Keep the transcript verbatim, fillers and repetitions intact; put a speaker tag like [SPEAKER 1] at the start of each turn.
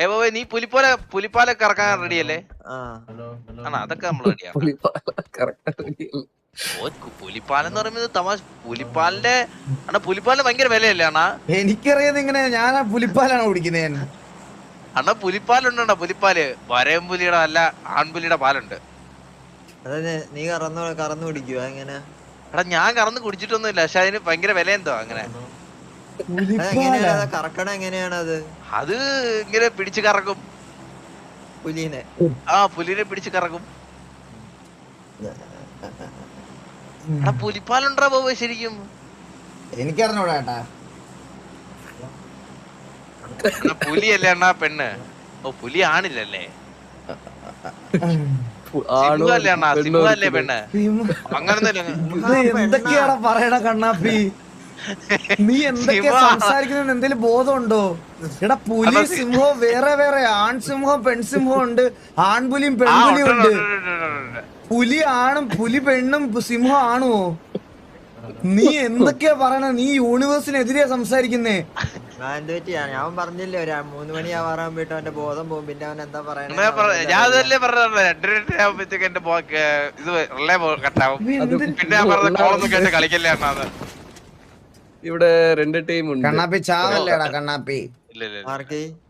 [SPEAKER 1] ഏ ബോബേ നീ പുലിപ്പാല പുലിപ്പാലൊക്കെ ഇറക്കാൻ റെഡിയല്ലേ? ആണോ അതൊക്കെ നമ്മൾ റെഡിയാണ്. ഓ പുലിപ്പാലം എന്ന് പറയുന്നത് തമാശ. പുലിപ്പാലിന്റെ അണ്ണാ പുലിപ്പാലിന് ഭയങ്കര വിലയല്ലേ അണ്ണാ?
[SPEAKER 2] എനിക്കറിയാം ഇങ്ങനെ ഞാൻ പുലിപ്പാലാണ് കുടിക്കുന്നത്. ഞാൻ
[SPEAKER 1] അണ്ണാ പുലിപ്പാലുണ്ടോ? പുലിപ്പാല് വരയം പുലിയുടെ അല്ല ആൺപുലിയുടെ പാലുണ്ട്.
[SPEAKER 3] അതെ നീ കറന്നു കറന്നു കുടിക്കുക എങ്ങനെ?
[SPEAKER 1] എടാ ഞാൻ കറന്ന് കുടിച്ചിട്ടൊന്നുമില്ല, പക്ഷെ അതിന് ഭയങ്കര വില എന്തോ അങ്ങനെ.
[SPEAKER 3] കറക്കണ എങ്ങനെയാണ് അത്?
[SPEAKER 1] അത് ഇങ്ങനെ പിടിച്ച് കറക്കും
[SPEAKER 3] പുലിനെ.
[SPEAKER 1] ആ പുലിനെ പിടിച്ച് കറക്കും. എടാ പുലിപ്പാലുണ്ടാ ബോബേ ശരിക്കും?
[SPEAKER 2] എനിക്കറിഞ്ഞൂടാ ചേട്ടാ.
[SPEAKER 1] പുലിയല്ലേ അണ്ണാ പെണ്ണ്? ഓ പുലി ആണില്ലല്ലേ? സിംഹല്ലേ അണ്ണാ? സിംഹല്ലേ പെണ്ണ്? അങ്ങനെ
[SPEAKER 2] എന്തൊക്കെയാടാ പറയണ കണ്ണാപ്പി? നീ എന്തൊക്കെയാ സംസാരിക്കുന്ന എന്തെങ്കിലും ബോധമുണ്ടോ? എടാ പുലി സിംഹവും വേറെ വേറെ ആൺസിംഹവും പെൺസിംഹവും ഉണ്ട്, ആൺപുലിയും പെൺപുലിയും ഉണ്ട്. പുലി ആണും പുലി പെണ്ണും സിംഹം ആണുവോ? നീ എന്തൊക്കെയാ പറയണ? നീ യൂണിവേഴ്സിനെതിരെയാ സംസാരിക്കുന്നേ.
[SPEAKER 3] ഞാൻ പറഞ്ഞില്ലേ ഒരു മൂന്ന് മണിയാവാറാകുമ്പോട്ട് അവന്റെ ബോധം പോകും. പിന്നെ അവൻ എന്താ പറയണേ?
[SPEAKER 1] ഞാൻ അതല്ലേ പറഞ്ഞ രണ്ടരയാകുമ്പോഴത്തേക്ക് എന്റെ ഇത് റിലേ കട്ടാവും. പിന്നെ ഞാൻ പറഞ്ഞ കോളൊന്നും കേട്ട് കളിക്കല്ലേ അണ്ണാന്ന്.
[SPEAKER 4] ഇവിടെ രണ്ട് ടീം ഉണ്ട്.
[SPEAKER 2] കണ്ണാപ്പി ചാവല്ലേടാ കണ്ണാപ്പി?
[SPEAKER 1] ഇല്ല ഇല്ല